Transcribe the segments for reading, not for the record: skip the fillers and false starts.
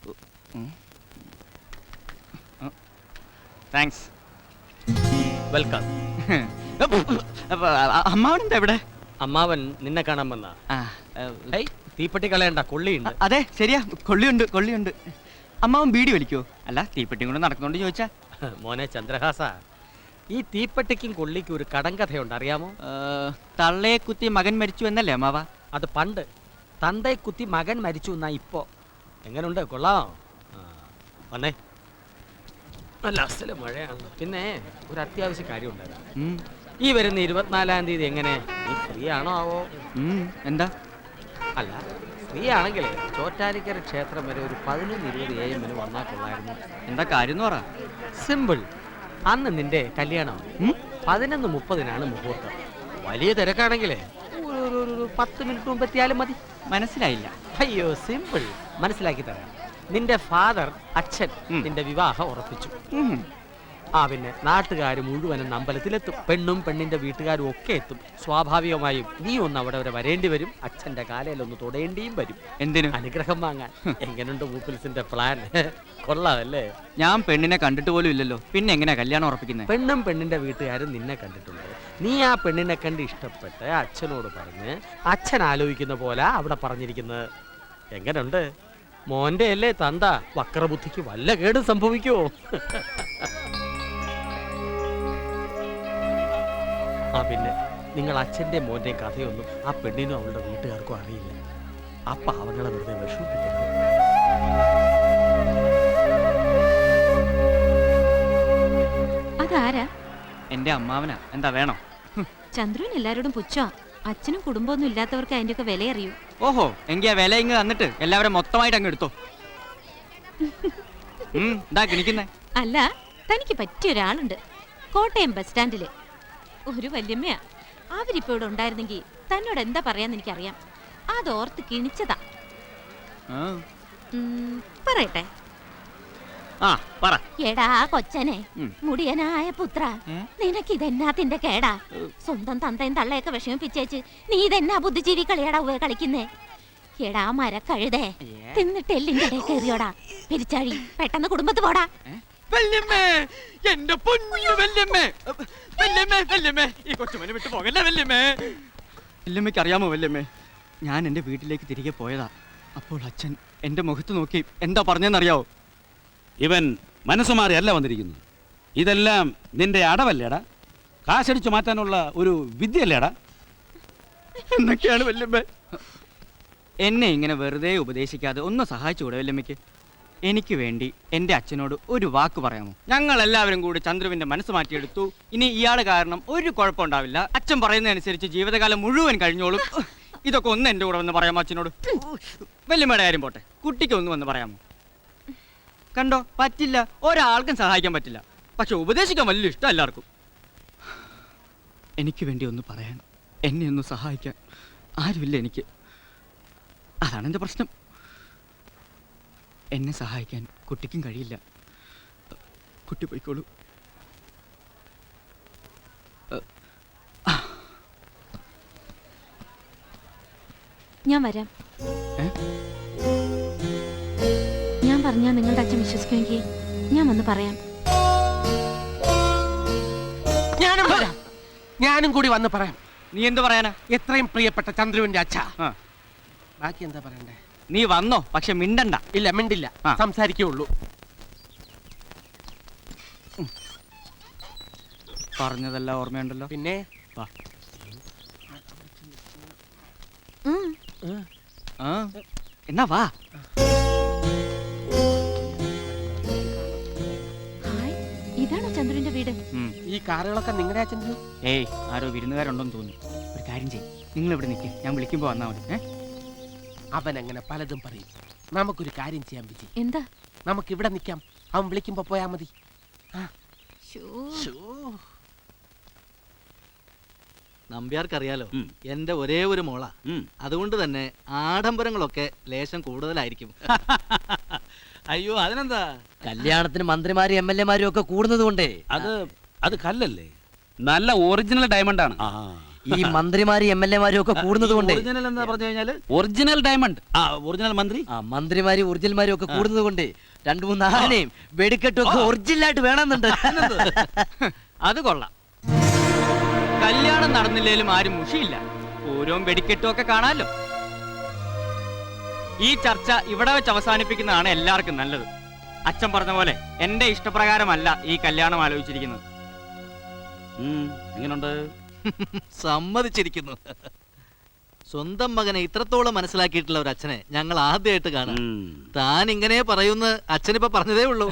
Thanks. Welcome. അമ്മാവനെന്താ ഇവിടെ? അമ്മാവൻ നിന്നെ കാണാൻ വന്ന. തീപ്പെട്ടി കളയണ്ട, കൊള്ളിയുണ്ട്. അതെ ശരിയാ, കൊള്ളിയുണ്ട്. അമ്മാവൻ ബീഡി വലിക്കോ? അല്ല തീപ്പെട്ടിയും കൊണ്ട് നടക്കുന്നോണ്ട് ചോദിച്ചാ. മോനെ ചന്ദ്രഹാസ, ഈ തീപ്പെട്ടിക്കും കൊള്ളിക്കും ഒരു കടങ്കഥയുണ്ട്, അറിയാമോ? തള്ളയെ കുത്തി മകൻ മരിച്ചു എന്നല്ലേ അമ്മാവ? അത് പണ്ട്. തന്തയെ കുത്തി മകൻ മരിച്ചു എന്നാ ഇപ്പോ. എങ്ങനുണ്ട്, കൊള്ളാം? വന്നേ. നല്ല അസല മഴയാണ്. പിന്നെ ഒരു അത്യാവശ്യ കാര്യം ഉണ്ടായിരുന്നു. ഈ വരുന്ന 24-ാം തീയതി എങ്ങനെ, നീ ഫ്രീ ആണോ ആവോ? എന്താ? അല്ല, ഫ്രീ ആണെങ്കിൽ ചോറ്റാനിക്കര ക്ഷേത്രം വരെ ഒരു 11:20 AM വന്നാൽ കൊള്ളായിരുന്നു. എന്താ കാര്യം പറ. സിമ്പിൾ. അന്ന് നിന്റെ കല്യാണം 11:30 മുഹൂർത്തം. വലിയ തിരക്കാണെങ്കിലേ ഒരു 10 മിനിറ്റ് മുമ്പ് എത്തിയാലും മതി. മനസ്സിലായില്ല. അയ്യോ, സിമ്പിൾ. മനസ്സിലാക്കി തരാം. നിന്റെ ഫാദർ, അച്ഛൻ നിന്റെ വിവാഹം ഉറപ്പിച്ചു. പിന്നെ നാട്ടുകാർ മുഴുവനും അമ്പലത്തിലെത്തും. പെണ്ണും പെണ്ണിന്റെ വീട്ടുകാരും ഒക്കെ എത്തും. സ്വാഭാവികമായും നീ ഒന്ന് അവിടെ വരെ വരേണ്ടി വരും. അച്ഛന്റെ കാലയിലൊന്ന് തൊടേണ്ടിയും വരും. എന്തിനു? അനുഗ്രഹം വാങ്ങാൻ. എങ്ങനെയുണ്ട് മൂപ്പിൽസിന്റെ പ്ലാൻ? കൊള്ളാമല്ലേ? ഞാൻ പെണ്ണിനെ കണ്ടിട്ട് പോലും ഇല്ലല്ലോ, പിന്നെ എങ്ങനെയാ കല്യാണം ഉറപ്പിക്കുന്നത്? പെണ്ണും പെണ്ണിന്റെ വീട്ടുകാരും നിന്നെ കണ്ടിട്ടുണ്ട്. നീ ആ പെണ്ണിനെ കണ്ട് ഇഷ്ടപ്പെട്ട് അച്ഛനോട് പറഞ്ഞ് അച്ഛൻ ആലോചിക്കുന്ന പോലെ അവിടെ പറഞ്ഞിരിക്കുന്നത്. എങ്ങനെയുണ്ട്? മോന്റെ അല്ലേ തന്ത, വക്രബുദ്ധിക്ക് വല്ല കേടും സംഭവിക്കുമോ? പിന്നെ നിങ്ങൾ അച്ഛൻ്റെ മോൻ്റെയും കഥയൊന്നും ആ പെണ്ണിനും അവളുടെ വീട്ടുകാർക്കും അറിയില്ല. ആ പാവങ്ങളെ വെറുതെ വിഷമിപ്പിക്കരുത്. അതാരാ? എന്റെ അമ്മാവനാ. എന്താ വേണം? ചന്ദ്രൻ എല്ലാരോടും പുച്ഛാ. അച്ഛനും കുടുംബമൊന്നും ഇല്ലാത്തവർക്ക് അതിന്റെ ഒക്കെ വില അറിയൂ. ഓഹോ, എങ്കിൽ ആ വില ഇങ്ങ് തന്നിട്ട് എല്ലാവരും മൊത്തമായിട്ട് അങ്ങ് എടുത്തോ. എന്താ കിണിക്കുന്നേ? അല്ല, തനിക്ക് പറ്റിയ ഒരാളുണ്ട് കോട്ടയം ബസ് സ്റ്റാൻഡില്. ഒരു വല്യമ്മയാ. അവരിപ്പോ ഇവിടെ ഉണ്ടായിരുന്നെങ്കിൽ തന്നോട് എന്താ പറയാന്ന് എനിക്കറിയാം. അതോർത്ത് കിണിച്ചതാ. പറയട്ടെ? എടാ കൊച്ചനെ, മുടിയനായ പുത്ര, നിനക്ക് ഇതെന്നാത്തിന്റെ കേടാ? സ്വന്തം തന്തയും തള്ളയൊക്കെ വിഷമിപ്പിച്ചേച്ച് നീ ഇതെന്നാ ബുദ്ധിജീവി കളിയാടാ കളിക്കുന്നേ? എടാ മരക്കഴുതേ, തിന്നിട്ട് എല്ലിന്റെ ഇടയിൽ കയറിയോടാ പിരിച്ചാഴി. പെട്ടെന്ന് കുടുംബത്ത് പോടാ. എന്റെ പൊന്നു വല്യമ്മേ, ഈ കൊച്ചുമനെ വിട്ടു പോകല്ലേ വല്യമ്മേ. വല്യമ്മയ്ക്ക് അറിയാമോ വല്യമ്മേ, ഞാൻ എന്റെ വീട്ടിലേക്ക് തിരികെ പോയതാ. അപ്പോൾ അച്ഛൻ എന്റെ മുഖത്ത് നോക്കി എന്താ പറഞ്ഞെന്നറിയാവോ? ഇവൻ മനസ്സുമാറിയല്ല വന്നിരിക്കുന്നത്. ഇതെല്ലാം നിന്റെ അടവല്ലേടാ? കാശടിച്ചു മാറ്റാനുള്ള ഒരു വിദ്യല്ലേടാ? എന്നൊക്കെയാണ് വല്യമ്മേ. എന്നെ ഇങ്ങനെ വെറുതെ ഉപദേശിക്കാതെ ഒന്ന് സഹായിച്ചുകൂടെ വല്യമ്മയ്ക്ക്? എനിക്ക് വേണ്ടി എൻ്റെ അച്ഛനോട് ഒരു വാക്ക് പറയാമോ? ഞങ്ങൾ എല്ലാവരും കൂടി ചന്ദ്രുവിൻ്റെ മനസ്സ് മാറ്റിയെടുത്തു. ഇനി ഇയാൾ കാരണം ഒരു കുഴപ്പമുണ്ടാവില്ല. അച്ഛൻ പറയുന്നതനുസരിച്ച് ജീവിതകാലം മുഴുവൻ കഴിഞ്ഞോളും. ഇതൊക്കെ ഒന്ന് എൻ്റെ കൂടെ വന്ന് പറയാമോ അച്ഛനോട്? വല്യമ്മയുടെ കാര്യം പോട്ടെ, കുട്ടിക്ക് ഒന്ന് വന്ന് പറയാമോ? കണ്ടോ, പറ്റില്ല. ഒരാൾക്കും സഹായിക്കാൻ പറ്റില്ല. പക്ഷെ ഉപദേശിക്കാൻ വലിയ ഇഷ്ടം എല്ലാവർക്കും. എനിക്ക് വേണ്ടി ഒന്ന് പറയാൻ, എന്നെ ഒന്ന് സഹായിക്കാൻ ആരുമില്ല എനിക്ക്. അതാണ് എൻ്റെ പ്രശ്നം. എന്നെ സഹായിക്കാൻ കുട്ടിക്കും കഴിയില്ല. കുട്ടി പോയിക്കോളൂ. ഞാൻ വരാം. ഞാൻ പറഞ്ഞാൽ നിങ്ങളുടെ അച്ഛൻ വിശ്വസിക്കുമെങ്കിൽ ഞാൻ വന്ന് പറയാം. ഞാനും വരാം. ഞാനും കൂടി വന്ന് പറയാം. നീ എന്ത് പറയാനാ? എത്രയും പ്രിയപ്പെട്ട ചന്ദ്രുവിന്റെ അച്ഛ. ബാക്കി എന്താ പറയണ്ടേ? നീ വന്നോ, പക്ഷെ മിണ്ടണ്ട. ഇല്ല, മിണ്ടില്ല, സംസാരിക്കുള്ളൂ. പറഞ്ഞതെല്ലാം ഓർമ്മയുണ്ടല്ലോ. പിന്നെ എന്നാ വാ. ഇതാണോ ചന്ദ്രന്റെ വീട്? ഈ കാറുകളൊക്കെ നിങ്ങളുടെ ചന്ദ്രു? ഏയ്, ആരോ വിരുന്നുകാരുണ്ടോന്ന് തോന്നുന്നു. ഒരു കാര്യം ചെയ്യും, നിങ്ങൾ ഇവിടെ നിൽക്കുക, ഞാൻ വിളിക്കുമ്പോ വന്നാൽ മതി. അവൻ അങ്ങനെ പലതും പറയും. നമുക്കൊരു കാര്യം ചെയ്യാൻ വിജി. എന്താ? നമുക്ക് ഇവിടെ നിൽക്കാം, അവൻ വിളിക്കുമ്പോ പോയാ മതി. നമ്പ്യാർക്കറിയാലോ, എന്റെ ഒരേ ഒരു മോള. അതുകൊണ്ട് തന്നെ ആഡംബരങ്ങളൊക്കെ ലേശം കൂടുതലായിരിക്കും. അയ്യോ, അതിനെന്താ? കല്യാണത്തിന് മന്ത്രിമാരും എം എൽ എമാരും ഒക്കെ കൂടുന്നത് കൊണ്ടേ. അത് കല്ലല്ലേ, നല്ല ഒറിജിനൽ ഡയമണ്ട് ആണ്. ഈ മന്ത്രിമാരും എം എൽ എമാരും ഒക്കെ കൂടുന്നത് കൊണ്ട് ഒറിജിനൽ എന്താ പറഞ്ഞു കഴിഞ്ഞാല് ഒറിജിനൽ ഡയമണ്ട് ആ ഒറിജിനൽ മന്ത്രി ആ മന്ത്രിമാരും ഒറിജിനൽമാരും ഒക്കെ കൂടുന്നത് കൊണ്ട് 2-3 ആനയും വെടിക്കെട്ടും ഒക്കെ ഒറിജിനലായിട്ട് വേണമെന്നുണ്ട്. അത് കൊള്ളാം. കല്യാണം നടന്നില്ലേലും ആരും മുഷിയില്ല. പൂരവും വെടിക്കെട്ടും ഒക്കെ കാണാമല്ലോ. ഈ ചർച്ച ഇവിടെ വെച്ച് അവസാനിപ്പിക്കുന്നതാണ് എല്ലാവർക്കും നല്ലത്. അച്ഛൻ പറഞ്ഞ പോലെ എന്റെ ഇഷ്ടപ്രകാരമല്ല ഈ കല്യാണം ആലോചിച്ചിരിക്കുന്നത്. എങ്ങനെയുണ്ട്? സമ്മതിച്ചിരിക്കുന്നു. സ്വന്തം മകനെ ഇത്രത്തോളം മനസ്സിലാക്കിയിട്ടുള്ള ഒരു അച്ഛനെ ഞങ്ങൾ ആദ്യമായിട്ട് കാണാം. താൻ ഇങ്ങനെ പറയുന്ന അച്ഛനിപ്പോ പറഞ്ഞതേ ഉള്ളൂ.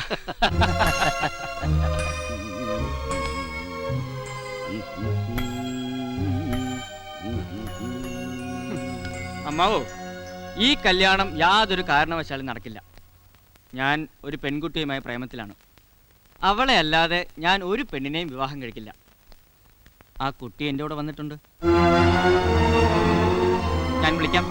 അമ്മാവോ, ഈ കല്യാണം യാതൊരു കാരണവശാലും നടക്കില്ല. ഞാൻ ഒരു പെൺകുട്ടിയുമായി പ്രേമത്തിലാണ്. അവളെ അല്ലാതെ ഞാൻ ഒരു പെണ്ണിനെയും വിവാഹം കഴിക്കില്ല. ആ കുട്ടി എൻ്റെ കൂടെ വന്നിട്ടുണ്ട്. ഞാൻ വിളിക്കാം.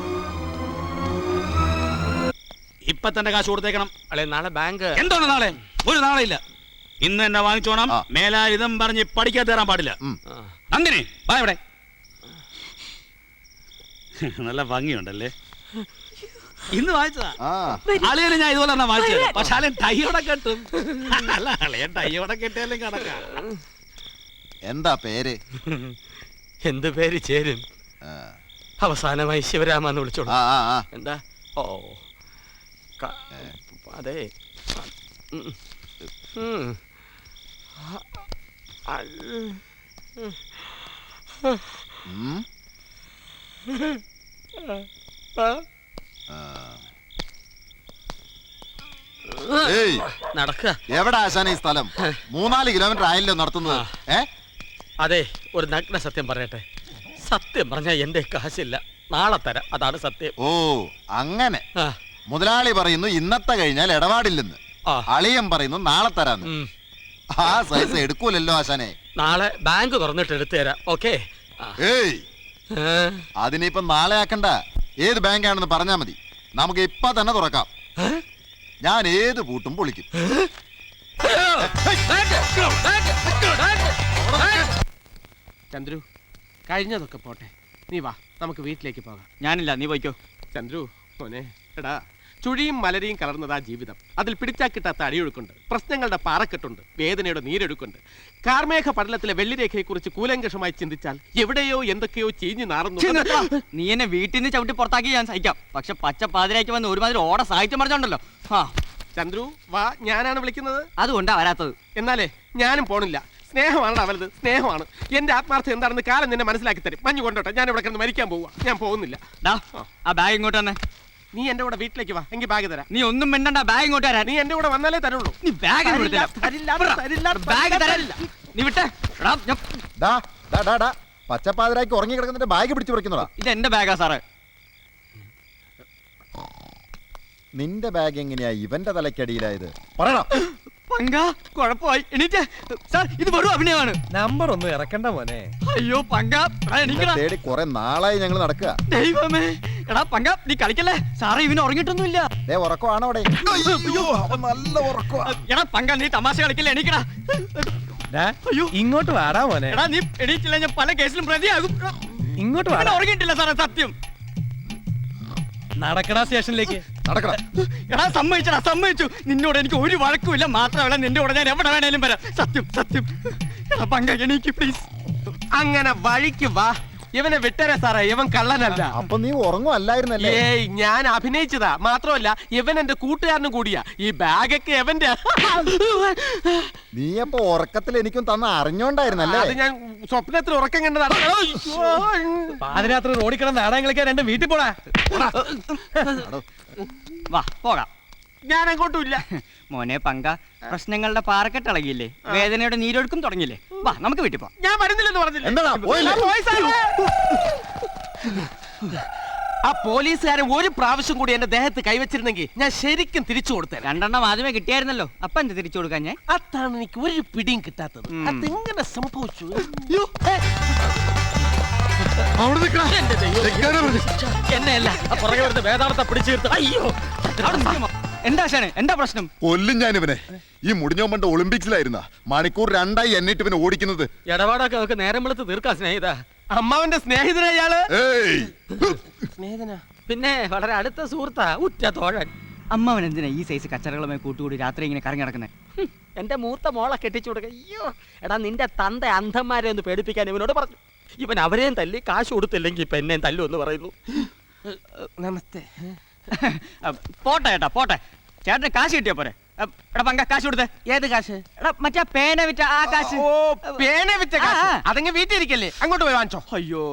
ഇപ്പൊ തന്നെ കാശ് കൊടുത്തേക്കണം. അല്ലെ നാളെ ബാങ്ക് എന്താണ് നാളെ? ഒരു നാളെ ഇല്ല. ഇന്ന് എന്നെ വാങ്ങിച്ചോണം. മേലാ ഇതും പറഞ്ഞ് പഠിക്കാൻ തരാൻ പാടില്ല. അങ്ങനെ വാ ഇവിടെ. നല്ല ഭംഗിയുണ്ടല്ലേ? ഇന്ന് വാങ്ങിച്ചതാ. അളിയന് ഞാൻ ഇതുപോലെ തന്നെ വാങ്ങിച്ചത്. പക്ഷെ അളിയൻ ടൈയോടെ കെട്ടും. അല്ല അളിയൻ ടൈയോടെ കെട്ടിയാലും കണക്കാ. എന്താ പേര്? എന്ത് പേര് ചേരും? അവസാനമായി ശിവരാമ എന്ന് വിളിച്ചോളൂ. എന്താ? ഓ അതെ. നടക്ക. എവിടെ ആശാന ഈ സ്ഥലം? 3-4 കിലോമീറ്റർ ആയല്ലോ നടത്തുന്നത്. അതെ, ഒരു നഗ്ന സത്യം പറയട്ടെ. സത്യം പറഞ്ഞാൽ എന്റെ കാശില്ല, നാളെ തരാം. അതാണ് സത്യം. ഓ അങ്ങനെ. മുതലാളി പറയുന്നു ഇന്നത്തെ കഴിഞ്ഞാൽ ഇടപാടില്ലെന്ന്. അളിയൻ പറയുന്നു നാളെ തരാന്ന്. ആ സൈസ് എടുക്കൂലല്ലോ ആശാനെ. നാളെ ബാങ്ക് തുറന്നിട്ട് എടുത്തു തരാം. ഓക്കെ. ഏയ്, അതിനിപ്പം നാളെ ആക്കണ്ട. ഏത് ബാങ്കാണെന്ന് പറഞ്ഞാ മതി. നമുക്ക് ഇപ്പൊ തന്നെ തുറക്കാം. ഞാൻ ഏത് പൂട്ടും പൊളിക്കും. ചന്ദ്രു, കഴിഞ്ഞതൊക്കെ പോട്ടെ, നീ വാ, നമുക്ക് വീട്ടിലേക്ക് പോകാം. ഞാനില്ല, നീ പോയിക്കോ. ചന്ദ്രു മോനെ, എടാ, ചുഴിയും മലരിയും കലർന്നതാ ജീവിതം. അതിൽ പിടിച്ചാൽ കിട്ടാത്ത അടിയൊഴുക്കുണ്ട്, പ്രശ്നങ്ങളുടെ പാറക്കെട്ടുണ്ട്, വേദനയുടെ നീരൊഴുക്കുണ്ട്. കാർമേഘ പടലത്തിലെ വെള്ളിരേഖയെക്കുറിച്ച് കൂലങ്കഷമായി ചിന്തിച്ചാൽ എവിടെയോ എന്തൊക്കെയോ ചീഞ്ഞു നാറുന്നു. നീ എന്നെ വീട്ടിൽ നിന്ന് ചവിട്ടി പുറത്താക്കി ഞാൻ സഹിക്കാം. പക്ഷെ പച്ച പാതിരാക്കി വന്ന് ഒരുമാതിരി ഓട സാഹിത്യം പറഞ്ഞോണ്ടല്ലോ. ചന്ദ്രു വാ, ഞാനാണ് വിളിക്കുന്നത്. അതുകൊണ്ടാ വരാത്തത്. എന്നാലേ ഞാനും പോണില്ല. സ്നേഹമാണ് അവലത്, സ്നേഹമാണ്. എന്റെ ആത്മാർത്ഥം എന്താണെന്ന് കാലം നിന്നെ മനസ്സിലാക്കി തരും. മഞ്ഞു കൊണ്ടോട്ടെ, ഞാൻ ഇവിടെ കിടന്ന് മരിക്കാൻ പോവാ. ഞാൻ പോകുന്നില്ല. ആ ബാഗ് ഇങ്ങോട്ട് തന്നെ. നീ എന്റെ കൂടെ വീട്ടിലേക്ക് വാ, എങ്കിൽ ബാഗ് തരാം. നീ ഒന്നും മിണ്ടണ്ട, ബാഗ് ഇങ്ങോട്ട് തരാൻ. നീ എന്റെ കൂടെ വന്നാലേ തരുള്ളൂ. നീ ബാഗ് നീ വിട്ടേ. പച്ചപ്പാതിരാക്കി ഉറങ്ങി കിടക്കുന്നിട്ട് ബാഗ് പിടിച്ചു പറിക്കുന്നതാ. ഇത് എന്റെ ബാഗാ സാറേ. നിന്റെ ബാഗ് എങ്ങനെയാ ഇവന്റെ തലക്കടിയിലായത്? പറയണം. പങ്ക കുഴപ്പമായി. എണീറ്റേ സാർ, ഇത് വെറും അഭിനയമാണ്. നമ്പർ ഒന്നും ഇറക്കണ്ട മോനെ. അയ്യോ പങ്ക, തേടി കുറെ നാളായി ഞങ്ങൾ നടക്കുക. ദൈവമേ, എടാ പങ്ക, നീ കളിക്കല്ലേ. സാറേ ഇവന് ഉറങ്ങിയിട്ടൊന്നുമില്ല. ഉറക്കമാണോ അവിടെ? നല്ല ഉറക്കമാ. എടാ പങ്ക, നീ തമാശ കളിക്കല്ലേ, എണീക്കടാ. അയ്യോ, ഇങ്ങോട്ട് വാടാ മോനെ. എടാ നീ എണീറ്റില്ല, ഞാൻ പല കേസിലും പ്രതിയാകും. ഇങ്ങോട്ട് വാടാ. ഉറങ്ങിയിട്ടില്ല സാറേ, സത്യം. നടക്കടാ സ്റ്റേഷനിലേക്ക്. നടക്കണം. എടാ സമ്മതിച്ചടാ, സമ്മതിച്ചു. നിന്നോട് എനിക്ക് ഒരു വഴക്കുമില്ല. മാത്രമല്ല നിന്റെ കൂടെ ഞാൻ എവിടെ വേണേലും വരാം. സത്യം സത്യം. എടാ പങ്ക, എനിക്ക് പ്ലീസ്. അങ്ങനെ വഴിക്ക് വാ. ഇവനെ വിട്ടേരെ സാറേ, ഇവൻ കള്ളനല്ല. അപ്പൊ നീ ഉറങ്ങുമല്ലായിരുന്നല്ലേ? ഏയ്, ഞാൻ അഭിനയിച്ചതാ. മാത്രമല്ല ഇവൻ എന്റെ കൂട്ടുകാരനും കൂടിയാ. ഈ ബാഗൊക്കെ എവന്റെ. നീ അപ്പൊ ഉറക്കത്തിൽ എനിക്കും തന്ന അറിഞ്ഞോണ്ടായിരുന്നല്ലേ? അത് ഞാൻ സ്വപ്നത്തിൽ ഉറക്കം കണ്ടതാണ്. പാതിരാത്രി റോഡിൽ കിടന്ന് നാടകം കളിക്കാൻ രണ്ട് വീട്ടിൽ പോടാ. വാ പോകാം. ഞാൻ അങ്ങോട്ടും ഇല്ല. മോനെ പങ്ക, പ്രശ്നങ്ങളുടെ പാറക്കെട്ട് ഇളകിയില്ലേ, വേദനയുടെ നീരൊഴുക്കും തുടങ്ങിയില്ലേ. വാ നമുക്ക് വീട്ടിൽ പോവാം. ഞാൻ വരുന്നില്ലെന്ന് പറഞ്ഞില്ല. എന്താ ആ പോലീസുകാരൻ ഒരു പ്രാവശ്യം കൂടി എന്റെ ദേഹത്ത് കൈവച്ചിരുന്നെങ്കിൽ ഞാൻ ശരിക്കും തിരിച്ചു കൊടുത്തേനെ. 2 എണ്ണം ആദ്യമേ കിട്ടിയായിരുന്നല്ലോ. അപ്പൊ എന്ത് തിരിച്ചു കൊടുക്കാൻ ഞാൻ? അതാണ് എനിക്ക് ഒരു പിടിയും കിട്ടാത്തത്. അതെങ്ങനെ സംഭവിച്ചു? എന്നെയല്ല, പുറകെ വരുന്ന വേദാർത്ഥ പിടിച്ചു. അയ്യോ, എന്താ ആശാനെ എന്താ പ്രശ്നം? കൊല്ലും ഞാൻ ഇവനെ. ഈ മുടിഞ്ഞോ പണ്ട് ഒളിമ്പിക്സിലായിരുന്ന മണിക്കൂർ 2 എന്നിട്ട് ഇവനെ ഓടിക്കുന്നത്. ഇടപാടൊക്കെ നമുക്ക് നേരം വെളുത്ത് തീർക്കാം സ്നേഹിത. അമ്മാവന്റെ സ്നേഹിതനാ ഇയാള്. ഏയ് സ്നേഹിതനാ? പിന്നെ വളരെ അടുത്ത സുഹൃത്താ, ഉറ്റ തോഴൻ. അമ്മാവൻ എന്തിനാ ഈ സൈസ് കച്ചറകളുമായി കൂട്ടുകൂടി രാത്രി ഇങ്ങനെ കറങ്ങി നടക്കുന്നത്? എന്റെ മൂത്ത മോളെ കെട്ടിച്ചു കൊടുക്ക. അയ്യോ എടാ, നിന്റെ തന്ത അന്ധന്മാരെ ഒന്ന് പേടിപ്പിക്കാൻ ഇവനോട് പറഞ്ഞു. ഇവൻ അവരെയും തല്ലി കാശ് കൊടുത്തില്ലെങ്കിൽ ഇപ്പൊ എന്നെയും തല്ലു എന്ന് പറയുന്നു. നമസ്തേ. പോട്ടെ ഏട്ടാ പോട്ടെ, ചേട്ടന് കാശ് കിട്ടിയാ പോരെ. എടാ പങ്ക കാശ് കൊടുത്തേ. ഏത് കാശ്? എടാ മറ്റേ പേന വിറ്റ ആ കാശ്. ഓ, പേന വിറ്റ കാശ്. ആ. അതങ്ങ് വീട്ടിൽ ഇരിക്കല്ലേ, അങ്ങോട്ട് പോയി വാങ്ങിച്ചോ. അയ്യോ